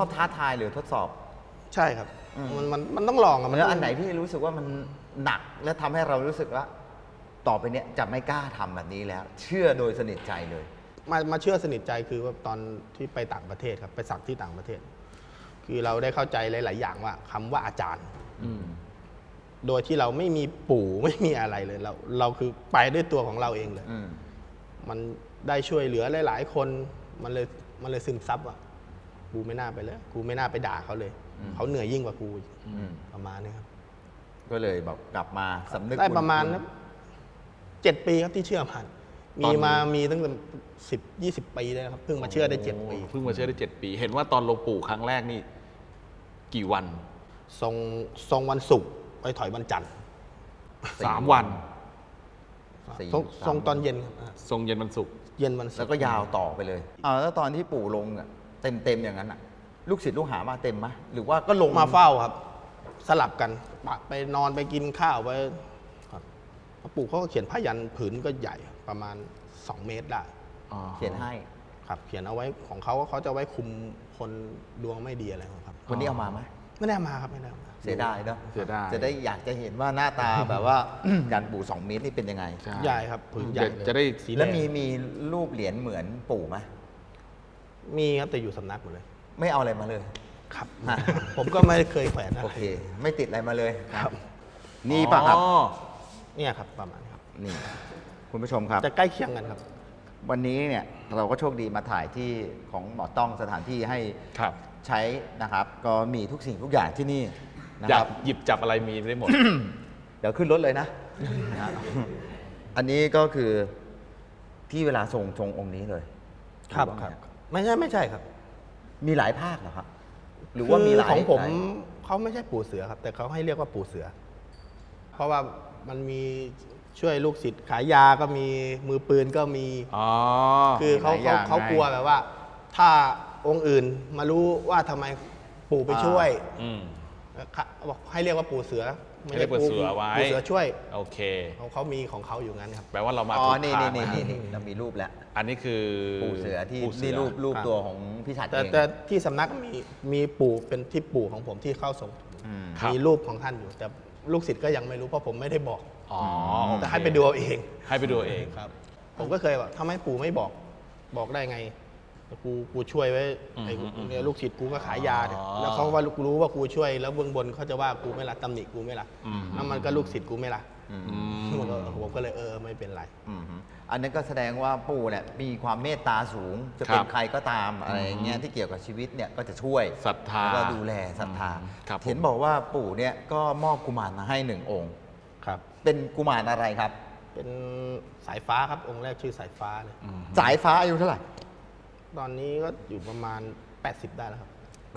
อบท้าทายหรือทดสอบใช่ครับมันต้องลองอะแล้วอันไหนที่รู้สึกว่ามันหนักและทำให้เรารู้สึกว่าต่อไปเนี้ยจะไม่กล้าทำแบบนี้แล้ว เชื่อโดยสนิทใจเลยมาเชื่อสนิทใจคือว่าตอนที่ไปต่างประเทศครับไปสักที่ต่างประเทศ คือเราได้เข้าใจหลาย ๆ อย่างว่าคำว่าอาจารย์โดยที่เราไม่มีปู่ไม่มีอะไรเลยเราคือไปด้วยตัวของเราเองเลยมันได้ช่วยเหลือหลาย ๆ คนมันเลยซึมซับว่ากูไม่น่าไปเลยกูไม่น่าไปด่าเขาเลยเขาเหนื่อยยิ่งกว่ากูประมาณนี้ครับก็เลยแบบกลับมาสำนึกได้ประมาณ7 ปีครับที่เชื่อมันมีตั้งแต่10-20 ปีเลยครับเพิ่งมาเชื่อได้7 ปีเพิ่งมาเชื่อได้7 ปีเห็นว่าตอนลงปู่ครั้งแรกนี่กี่วันทรงวันศุกร์ไปถอยวันจันทร์ 3 วันทรงตอนเย็นทรงเย็นวันศุกร์เย็นวันศุกร์แล้วก็ยาวต่อไปเลยแล้วตอนที่ปู่ลงเต็มอย่างนั้นอ่ะลูกศิษย์ลูกหามาเต็มไหมหรือว่าก็ลงมาเฝ้าครับสลับกันไปนอนไปกินข้าวไปปู่เขาก็เขียนผ้ายันผืนก็ใหญ่ประมาณ2 เมตรได้เขียนให้ครับเขียนเอาไว้ของเขาจะไว้คุมคนดวงไม่ดีอะไรครับวันนี้เอามาไหมไม่ได้มาครับไม่ได้มาเสียดายเนาะเสียดายจะได้อยากจะเห็นว่าหน้าตาแบบว่ายันปู่2 เมตรนี่เป็นยังไงใหญ่ครับผืนใหญ่จะได้แล้วมีรูปเหรียญเหมือนปู่ไหมมีครับแต่อยู่สำนักหมดเลยไม่เอาอะไรมาเลยครับผมก็ไม่เคยแขวนโอเคไม่ติดอะไรมาเลยครับนี่ป่ะครับเนี่ยครับประมาณนี้ครับนี่คุณผู้ชมครับจะใกล้เคียงกันครับวันนี้เนี่ยเราก็โชคดีมาถ่ายที่ของหมอต้องสถานที่ให้ใช้นะครับก็มีทุกสิ่งทุกอย่างที่นี่นะครับหยิบจับอะไรมีได้หมดเดี๋ยวขึ้นรถเลยนะ อันนี้ก็คือที่เวลาทรงองค์นี้เลยครับไม่ใช่ครับมีหลายภาคเหรอครับหรือว่ามีหลายของผมเขาไม่ใช่ปู่เสือครับแต่เขาให้เรียกว่าปู่เสือเพราะว่ามันมีช่วยลูกศิษย์ขายยาก็มีมือปืนก็มีคือเขากลัวแบบว่าถ้าองค์อื่นมารู้ว่าทำไมปู่ไปช่วยบอกให้เรียกว่าปู่เสือไม่ได้ปู่เสือไว้ปู่เสือช่วยโอเคเขามีของเขาอยู่งั้นครับแปลว่าเรามาถูกทางนี่เรามีรูปแล้วอันนี้คือปู่เสือที่นี่รูปตัวของพี่ฉัตรเองแต่ที่สำนักมีปู่เป็นที่ปู่ของผมที่เข้าทรงมีรูปของท่านอยู่แต่ลูกศิษย์ก็ยังไม่รู้เพราะผมไม่ได้บอกแต่ให้ไปดูเอาเองครับผมก็เคยว่าทำไมปู่ไม่บอกได้ไงกูช่วยไว้ลูกศิษย์กูก็ขายยาแล้วเขาว่ารู้ว่ากูช่วยแล้วเบื้องบนเขาจะว่ากูไม่ละตำหนิกูไม่ละแล้วมันก็ลูกศิษย์กูไม่ละผมก็เลยไม่เป็นไรอันนั้นก็แสดงว่าปู่เนี่ยมีความเมตตาสูงจะเป็นใครก็ตามอะไรเงี้ยที่เกี่ยวกับชีวิตเนี่ยก็จะช่วยศรัทธาแล้วก็ดูแลศรัทธาเห็นบอกว่าปู่เนี่ยก็มอบกุมารมาให้1 องค์ครับเป็นกุมารอะไรครับเป็นสายฟ้าครับองค์แรกชื่อสายฟ้าเลยสายฟ้าอายุเท่าไหร่ตอนนี้ก็อยู่ประมาณ80ได้แล้วครับ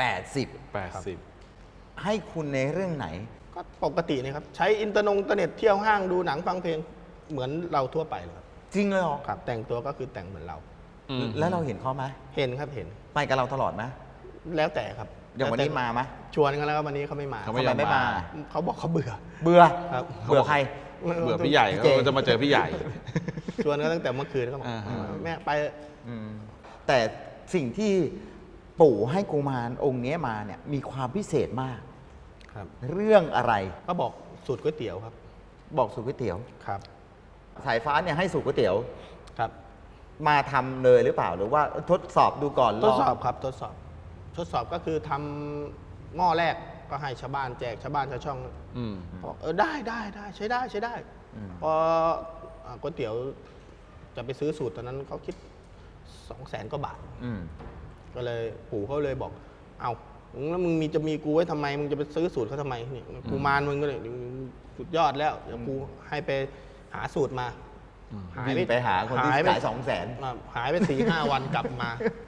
80ให้คุณในเรื่องไหนก็ปกตินะครับใช้อินเทอร์เน็ตเที่ยวห้างดูหนังฟังเพลงเหมือนเราทั่วไปเลยครับจริงเลยหรอครับแต่งตัวก็คือแต่งเหมือนเราแล้วเราเห็นเขาไหมเห็นครับเห็นไปกับเราตลอดไหมแล้วแต่ครับอย่างวันนี้มาไหมชวนกันแล้ววันนี้เขาไม่มาเขาไม่มาเขาบอกเขาเบื่อครับเบื่อใครเบื่อพี่ใหญ่เขาจะมาเจอพี่ใหญ่ชวนกันตั้งแต่เมื่อคืนก็บอกแม่ไปแต่สิ่งที่ปู่ให้กุมารองค์นี้มาเนี่ยมีความพิเศษมากครับเรื่องอะไรก็บอกสูตรก๋วยเตี๋ยวครับบอกสูตรก๋วยเตี๋ยวครับสายฟ้าเนี่ยให้สูตรก๋วยเตี๋ยวครับมาทำเลยหรือเปล่าหรือว่าทดสอบดูก่อนทดสอบครับทดสอบก็คือทำหม้อแรกก็ให้ชาวบ้านแจกชาวบ้านชาวช่องบอกได้ใช้ได้พอก๋วยเตี๋ยวจะไปซื้อสูตรตอนนั้นเขาคิด200,000 กว่าบาทก็เลยปู่เขาเลยบอกเอาแล้วมึงจะมีกูไว้ทำไมมึงจะไปซื้อสูตรเขาทำไมนี่กูมารมึงก็เลยสุดยอดแล้วเดี๋ยวกูให้ไปหาสูตรมาไปหาคนที่ขาย 200,000หายไป4-5 วันกลับมา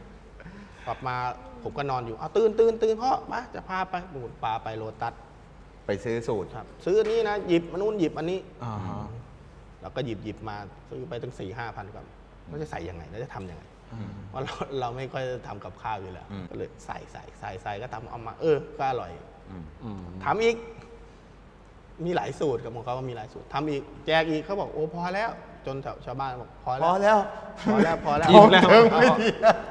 ผมก็นอนอยู่ตื่นพ่อมาจะพาไปพาไปโลตัสไปซื้อสูตรครับซื้ออันนี้นะหยิบอันนู้นหยิบอันนี้เราก็หยิบมาซื้อไปตั้ง4-5 พันกว่าเราจะใส่ยังไงเราจะทำยังไงเพราะเราไม่ค่อยทำกับข้าวอยู่แล้วก็เลยใส่ก็ทำเอามาก็อร่อยทำอีกมีหลายสูตรกับของเขามีหลายสูตรทำอีกแจกอีกเขาบอกโอ้พอแล้วจนชาวบ้านบอกพอแล้วอิ่มแล้ว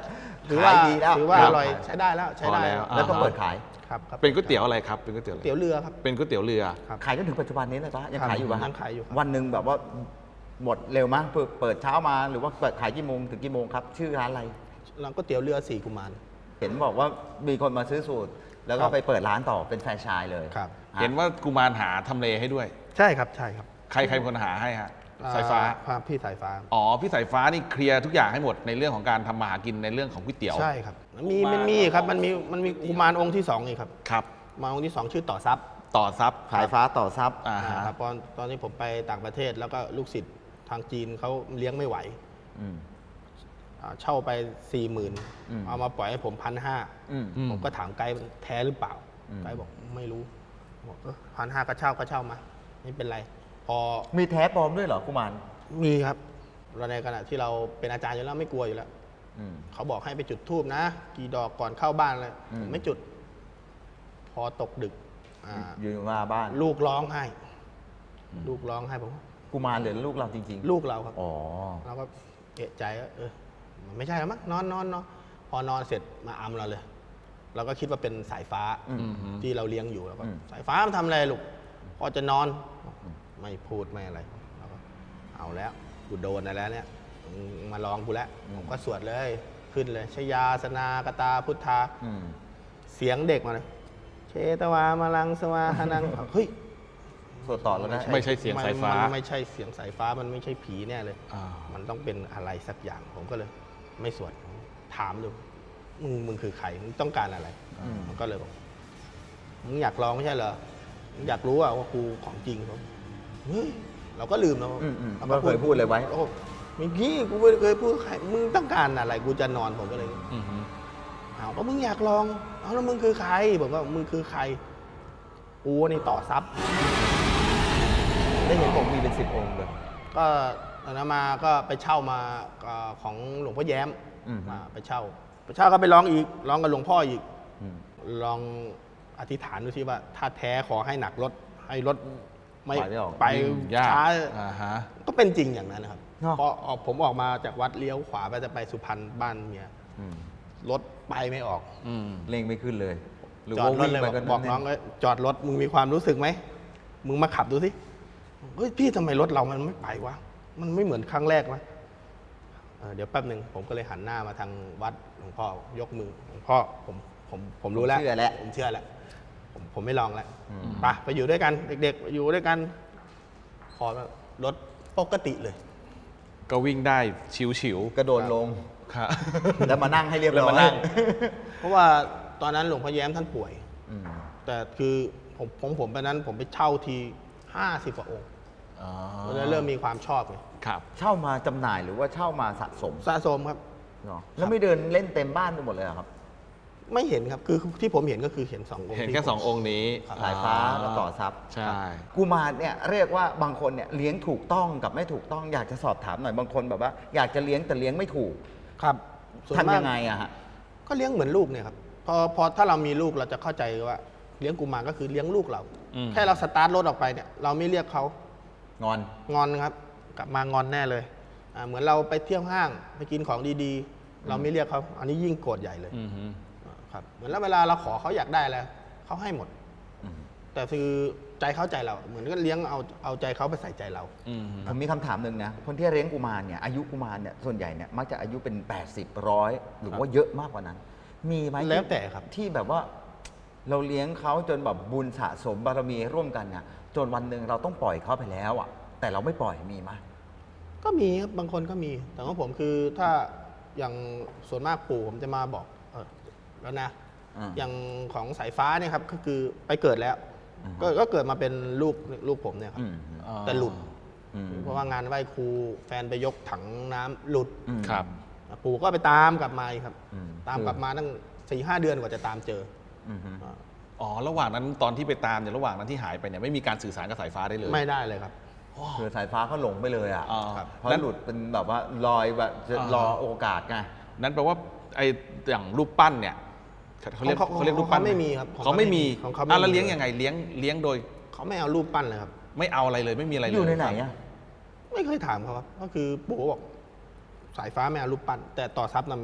ถือว่าขายดีแล้วถือว่าครัอบ ร่อยใช้ได้แล้วใช้ได้พอแล้วแล้วก็เปิดขายครับครับเป็นก๋วยเตี๋ยวอะไรครับเป็นก๋วยเตี๋ยวอะไรเตี๋ยวเรือครับเป็นก๋วยเตี๋ยวเรือครับขายจนถึงปัจจุบันนี้เลยปะยังครับขายอยู่ปะยังขายอยู่ครับวันหนึ่งแบบว่าหมดเร็วมั้ยเปิดเช้ามาหรือว่าเปิดขายกี่โมงถึงกี่โมงครับ ชื่อร้านอะไรร้านก๋วยเตี๋ยวเรือสี่กุมารเห็นบอกว่ามีคนมาซื้อสูตร แล้วก็ครับไปเปิดร้านต่อเป็นแฟรนไชส์เลยครับฮะเห็นว่ากุมารหาทำเลให้ด้วยใช่ครับใช่ครับใครเป็นคนหาให้ฮะสายฟ้าครับพี่สายฟ้าอ๋อพี่สายฟ้านี่เคลียร์ทุกอย่างให้หมดในเรื่องของการทำมาหากินในเรื่องของก๋วยเตี๋ยวใช่ครับมันมีครับมันมีกุมารองค์ที่สองอีกครับครับมาองค์ที่สองชื่อต่อทรัพย์ต่อซับขายฟ้าต่อซับอ่าฮะครับตอนนี้ผมไปต่างประเทศแล้วก็ลูกศิษย์ทางจีนเขาเลี้ยงไม่ไหวอืมเช่าไป 40,000 อืมเอามาปล่อยให้ผมอืม 1,500ผมก็ถามไกด์แท้หรือเปล่าอืมไกด์บอกไม่รู้บอก1,500ก็เช่ามาไม่เป็นไร พอมีแท้ปลอมด้วยเหรอกุมารมีครับเราในขณะที่เราเป็นอาจารย์อยู่แล้วไม่กลัวอยู่แล้วอืมเขาบอกให้ไปจุดธูปนะ กี่ดอกก่อนเข้าบ้านเลยอืมผมไม่จุด พอตกดึกอยู่มาบ้านลูกร้องไห้ ลูกร้องไห้ผมว่ากุมารหรือลูกเราจริงลูกเราครับๆอ๋อเราก็เอะใจว่ามันไม่ใช่แล้วมั้งนอนพอนอนเสร็จมาอำเราเลย เราก็คิดว่าเป็นสายฟ้าอืมที่เราเลี้ยงอยู่แล้วก็อืมสายฟ้ามันทำอะไรลูกพอจะนอนไม่พูดไม่อะไรเราก็เอาแล้วกูโดนอะไรแล้วเนี่ยมึงมาลองกูแล้วผมก็สวดเลยขึ้นเลยชยาสนากตาพุทธาอืมเสียงเด็กมาเลย เชตวามาลังสวาหานัง เฮ้ยสวดต่อแล้วนะไม่ใช่เสียงสายฟ้ามันไม่ใช่เสียงสายฟ้ามันไม่ใช่ผีแน่เลยอ่ามันต้องเป็นอะไรสักอย่าง ผมก็เลย ไม่สวดถามดูมึงคือใครมึงต้องการอะไรอืมมันก็เลยบอกมึงอยากลองไม่ใช่เหรอมึงอยากรู้ว่ากูของจริงผมเฮ้ยเราก็ลืมแล้วเราก็เคยพูดเลยไว้โอ้เมื่อกี้กูไม่เคยพูดใครมึงต้องการอะไรกูจะนอนผมก็เลยอือฮึเอาก็มึงอยากลองเอาแล้วมึงคือใครผมว่ามึงคือใครกูนี่ต่อทรัพย์ได้เห็นผมมีเป็น10 องค์เลยก็ตอนนั้นมาก็ไปเช่ามาของหลวงพ่อแย้มอืมมาไปเช่าก็ไปร้องอีกร้องกับหลวงพ่ออีกอืมลองอธิษฐานดูสิว่า ถ้าแท้ขอให้หนักรถให้รถไม่ไปไม่ออกไปยากช้าอ่าฮะก็เป็นจริงอย่างนั้นนะครับเนอะพอผมออกมาจากวัดเลี้ยวขวาไปจะไปสุพรรณบ้านเมียอืมรถไปไม่ออกอืมเร่งไม่ขึ้นเลย หรือจอว่าดรถวิ่งเลยไปบอกกันบอกน้องว่าจอดรถมึงมีความรู้สึกไหมมึงมาขับดูสิเฮ้ยพี่ทำไมรถเรามันไม่ไปวะมันไม่เหมือนครั้งแรกนะเดี๋ยวแป๊บหนึ่งผมก็เลยหันหน้ามาทางวัดหลวงพ่อยกมือหลวงพ่อผมรู้แล้วเชื่อแล้วผมเชื่อแล้วผมไม่ลองแล้วอืมไปอยู่ด้วยกัน เด็กๆอยู่ด้วยกันพอรถปกติเลยก็วิ่งได้ฉิวกระโดดลงๆครับแล้วมานั่งให้เรียบร้อยแล้วมานั่งเพราะว่าตอนนั้นหลวงพ่อแย้มท่านป่วยอืมแต่คือผมไปนั้นผมไปเช่าที50 กว่าองค์อ๋อเพราะฉะนั้นเริ่มมีความชอบไงครับเช่ามาจำหน่ายหรือว่าเช่ามาสะสมสะสมครับเนาะแล้วไม่เดินเล่นเต็มบ้านไปหมดเลยเหรอครับไม่เห็นครับคือที่ผมเห็นก็คือเห็น2 องค์เห็นที่แค่ผม 2 องค์นี้สายฟ้ากับต่อทรัพย์ใช่กุมารเนี่ยเรียกว่าบางคนเนี่ยเลี้ยงถูกต้องกับไม่ถูกต้องอยากจะสอบถามหน่อยบางคนแบบว่า อยากจะเลี้ยงแต่เลี้ยงไม่ถูกครับส่วนทำมากยังไงอะฮะก็เลี้ยงเหมือนลูกเนี่ยครับพอถ้าเรามีลูกเราจะเข้าใจว่าเลี้ยงกุมารก็คือเลี้ยงลูกเราอืมแค่เราสตาร์ทรถออกไปเนี่ยเราไม่เรียกเขางอนงอนครับ กลับมางอนแน่เลยเหมือนเราไปเที่ยวห้างไปกินของดีๆ เราไม่เรียกเขาอันนี้ยิ่งโกรธใหญ่เลยอือฮึครับเหมือนแล้วเวลาเราขอเขาอยากได้อะไรเขาให้หมดอืมแต่คือใจเขาใจเรา เหมือนก็เลี้ยงเอาใจเขาไปใส่ใจเราอืมผมมีคำถามหนึ่งนะคนที่เลี้ยงกุมารเนี่ยอายุกุมารเนี่ยส่วนใหญ่เนี่ยมักจะอายุเป็น 80 100 หรือว่าเยอะมากกว่านั้น มีไหมแล้วแต่ครับที่แบบว่าเราเลี้ยงเขาจนแบบบุญสะสมบารมีร่วมกันเนี่ยจนวันหนึ่งเราต้องปล่อยเขาไปแล้วอ่ะแต่เราไม่ปล่อยมีไหมก็มีครับบางคนก็มี แต่ของผมคือถ้าอย่างส่วนมากปู่ผมจะมาบอกแล้วนะ อย่างของสายฟ้าเนี่ยครับก็คือไปเกิดแล้ว ก็เกิดมาเป็นลูกผมเนี่ยครับอืมแต่หลุดอืมเพราะว่างานไหว้ครูแฟนไปยกถังน้ำหลุดอืมครับปู่ก็ไปตามกลับมาอีกครับอืมตามกลับมาตั้ง4-5 เดือนกว่าจะตามเจออืมอ่าอ๋อ ระหว่างนั้นตอนที่ไปตามเนี่ยระหว่างนั้นที่หายไปเนี่ยไม่มีการสื่อสารกับสายฟ้าได้เลยไม่ได้เลยครับคือสายฟ้าเขาหลงไปเลยอ่ะอ๋อเพราะนั้นหลุดเป็นแบบว่าลอยแบบจะรอโอกาสไงนั้นแปลว่าไอ้อย่างรูปปั้นเนี่ยเขาเรียกของเขาเขาเรียกรูปปั้นของเขาไม่มีครับของเขาเขาไม่มีของเขาไม่มีแล้วเลี้ยงยังไงเลี้ยงโดยเขาไม่เอารูปปั้นเลยครับไม่เอาอะไรเลยไม่มีอะไรเลยอยู่ในไหนอ่ะไม่เคยถามเขาครับก็คือปู่ก็บอกสายฟ้าไม่เอารูปปั้น แต่ต่อทรัพย์น่ะมีอ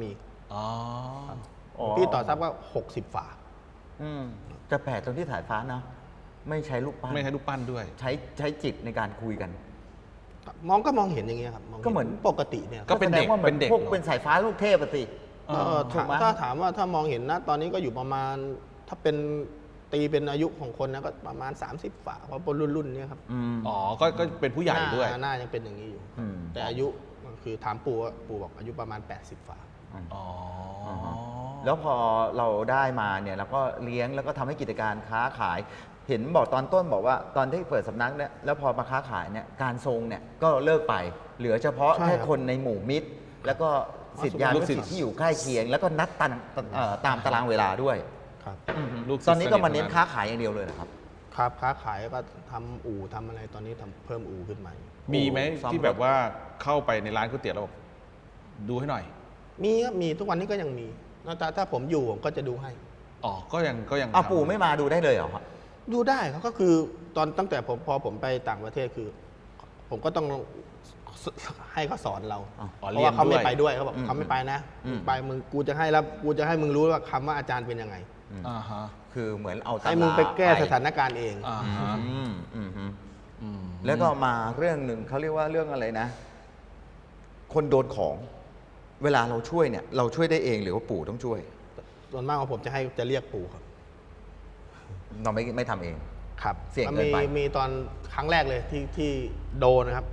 อ๋อพี่ต่อทรัพย์ก็60 ฝาอืมจะแปลกตรงที่สายฟ้านะไม่ใช้ลูกปั้นไม่ให้รูปปั้นด้วยใช้จิตในการคุยกันมองเห็นอย่างเงี้ยครับงก็เหมือนปกติเนี่ยก็เป็นเด็กแสว่าหมือเป็นเด็กพวกเหรอเป็นสายฟ้าลูกเทพอะสิ ถูกไหมถ้าถามว่าถ้ามองเห็นนะตอนนี้ก็อยู่ประมาณถ้าเป็นตีเป็นอายุของคนนะก็ประมาณ 30 ฝาเพราะเป็นรุ่นเนี่ยครับอ๋อก็เป็นผู้ใหญ่ด้วยหน้ายังเป็นอย่างนี้อยู่อืมแต่อายุคือถามปู่ว่าปู่บอกอายุประมาณ 80 ฝาอ๋อแล้วพอเราได้มาเนี่ยเราก็เลี้ยงแล้วก็ทำให้กิจการค้าขาย เห็นบอกตอนต้นบอกว่าตอนที่เปิดสำนักเนี่ยแล้วพอมาค้าขายเนี่ยการทรงเนี่ยก็เลิกไป เหลือเฉพาะใช่แค่ครับคนในหมู่มิตร แล้วก็ศิษยาลูนุกศิศิษษย์ย์ที่อยู่ใกล้เคียง แล้วก็นัดตามตารางเวลาด้วยครับลูกศิษย์ตอนนี้ก็มาสทเน้นทั้งค้าขายอย่างเดียวเลยนะครับครับค้าขายก็ทำอู่ทำอะไรตอนนี้ทำเพิ่มอู่ขึ้นมามีไหมซ่อมที่แบบว่าเข้าไปในร้านก๋วยเตี๋ยวแล้วบอกดูให้หน่อยมีครับมีทุกวันนี้ก็ยังมีถ้าผมอยู่ผมก็จะดูให้อ๋อ ก็ยังอ้าวทำปู่ไม่มาดูได้เลยเหรอครับดูได้ครับก็คือตั้งแต่พอผมไปต่างประเทศคือ ผมก็ต้องให้เขาสอนเราอ๋อเพราะว่าเขาไม่ไปด้วยเขาบอกอืมเขาไม่ไปนะอืมไปมึงกูจะให้แล้วกูจะให้มึงรู้ว่าคำว่าอาจารย์เป็นยังไงอ่าฮะคือเหมือนเอาตำราให้มึงไปแก้สถานการณ์เองอ่าฮะอืมอืมอืมอืมแล้วก็มาเรื่องหนึ่งเขาเรียกว่าเรื่องอะไรนะ คนโดนของ เวลาเราช่วยเนี่ย เราช่วยได้เองหรือว่าปู่ต้องช่วยส่วนมากของผมจะเรียกปู่ครับเราไม่ทำเองครับเสี่ยงเกินไปมีตอนครั้งแรกเลยที่โดนนะครับ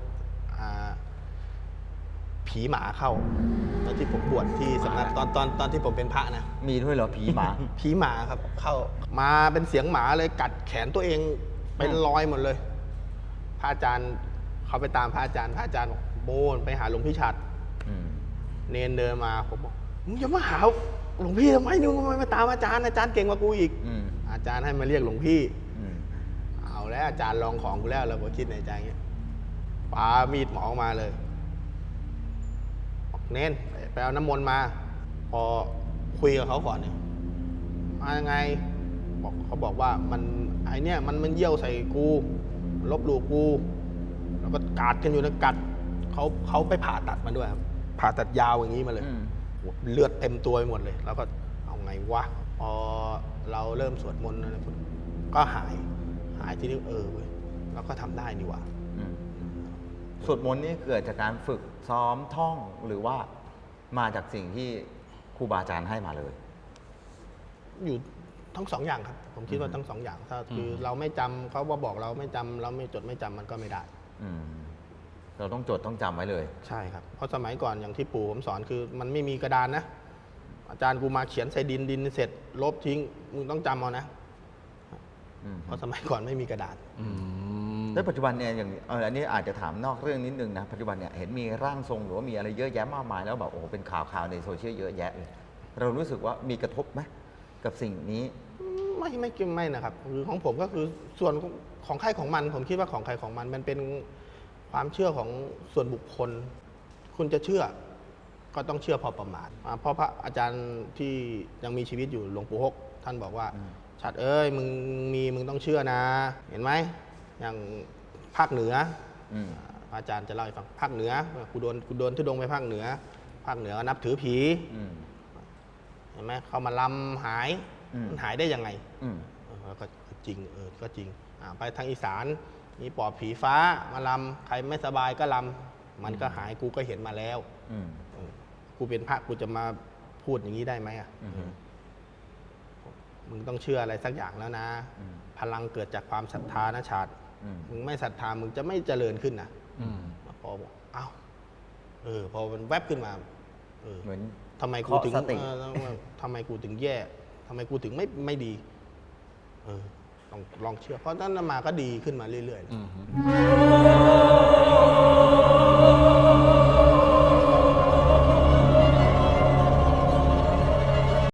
ผีหมาเข้าตอนที่ผมบวชที่สำนักตอนที่ผมเป็นพระนะมีด้วยเหรอผีหมาผีหมาครับเข้ามาเป็นเสียงหมาเลยกัดแขนตัวเองเป็นรอยหมดเลย พระอาจารย์เขาไปตามพระอาจารย์บอกโบนไปหาหลวงพี่ฉัดอืมเนนเดินมาผมบอกมึงจะมาหาหลวงพี่ทำไมมึงมาตามอาจารย์เก่งกว่ากูอีกอืมอาจารย์ให้มาเรียกหลวงพี่อืมเอาแล้วอาจารย์ลองของกูแล้วเราก็คิดในใจเงี้ยปามีดหมอออกมาเลยบอกเน้นไปเอาน้ำมนต์มา พอคุยกับเขาก่อนเนี่ยมายังไงเขาบอกว่ามันไอเนี่ยมันเยี่ยวใส่กูลบหลู่กูแล้วก็กัดกันอยู่นะกัดเขาไปผ่าตัดมาด้วยครับผ่าตัดยาวอย่างนี้มาเลยอืมเลือดเต็มตัวไปหมดเลย แล้วก็เอาไงวะพอเราเริ่มสวดมนต์นะก็หายที่นี่เว้ยแล้วก็ทำได้นี่หว่าอืมสวดมนต์นี่เกิดจากการฝึกซ้อมท่องหรือว่ามาจากสิ่งที่ครูบาอาจารย์ให้มาเลยอยู่ทั้งสองอย่างครับ ผมคิดว่าทั้งสองอย่างถ้าคือเราไม่จำเขาบอกเราไม่จำเราไม่จดไม่จำมันก็ไม่ได้อืมเราต้องจดต้องจำไว้เลยใช่ครับ เพราะสมัยก่อนอย่างที่ปู่ผมสอนคือมันไม่มีกระดานนะ อาจารย์กูมาเขียนใส่ดินเสร็จลบทิ้งมึงต้องจำเอานะอืมเพราะสมัยก่อนไม่มีกระดาษอืมแล้วปัจจุบันเนี่ยอย่างอันนี้อาจจะถามนอกเรื่องนิดนึงนะปัจจุบันเนี่ยเห็นมีร่างทรงหรือว่ามีอะไรเยอะแยะมากมายแล้วแบบโอ้โหเป็นข่าวในโซเชียลเยอะแยะเลยเรารู้สึกว่ามีกระทบไหมกับสิ่งนี้ไม่นะครับคือของผมก็คือส่วนของใครของมัน ผมคิดว่าของใครของมันมันเป็นความเชื่อของส่วนบุคคล คุณจะเชื่อก็ต้องเชื่อพอประมาณเพราะพระอาจารย์ที่ยังมีชีวิตอยู่หลวงปู่ฮกท่านบอกว่าชัดเอ้ยมึงต้องเชื่อนะ เห็นไหมอย่างภาคเหนืออืมพระอาจารย์จะเล่าให้ฟังภาคเหนือกูโดนทุดงไปภาคเหนือก็นับถือผีอืมเห็นไหมเขามาลำหายอืมมันหายได้ยังไงอืมก็จริงก็จริงไปทางอีสานมีปอบผีฟ้ามาลำใครไม่สบายก็ลำมันก็หายกูก็เห็นมาแล้วอืมกูเป็นพระกูจะมาพูดอย่างนี้ได้ไหมอ่ะอืมมึงต้องเชื่ออะไรสักอย่างแล้วนะอืมพลังเกิดจากความศรัทธานะชาติอืมมึงไม่ศรัทธามึงจะไม่เจริญขึ้นนะอืมพอบอกอ้าวพอมันแวบขึ้นมาเหมือนทำไมกูถึงเคาะสติทำไมกูถึงแย่ทำไมกูถึงไม่ดีลองเชื่อเพราะนั้นมาก็ดีขึ้นมาเรื่อยๆอืม